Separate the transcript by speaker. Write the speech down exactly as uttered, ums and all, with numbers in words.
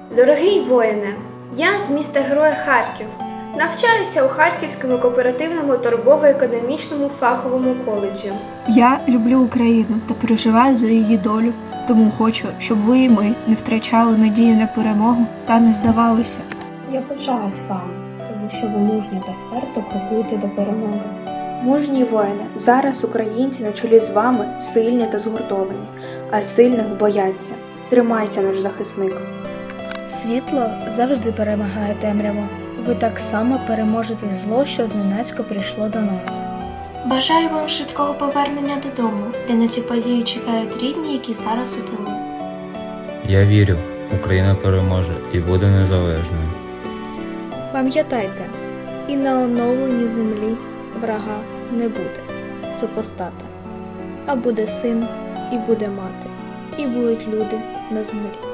Speaker 1: Дорогий воїне, я з міста Героя Харків. Навчаюся у Харківському кооперативному торгово-економічному фаховому коледжі.
Speaker 2: Я люблю Україну та переживаю за її долю, тому хочу, щоб ви і ми не втрачали надію на перемогу та не здавалися.
Speaker 3: Я пишаюсь вами, тому що ви мужньо та вперто крокуєте до перемоги.
Speaker 4: Мужні воїни, зараз українці на чолі з вами сильні та згуртовані, а сильних бояться. Тримайся, наш захисник.
Speaker 5: Світло завжди перемагає темряву. Ви так само переможете зло, що зненацька прийшло до нас.
Speaker 6: Бажаю вам швидкого повернення додому, де на цю подію чекають рідні, які зараз у тилу.
Speaker 7: Я вірю, Україна переможе і буде незалежною.
Speaker 5: Пам'ятайте, і на оновленій землі врага не буде супостата, а буде син, і буде мати, і будуть люди на землі.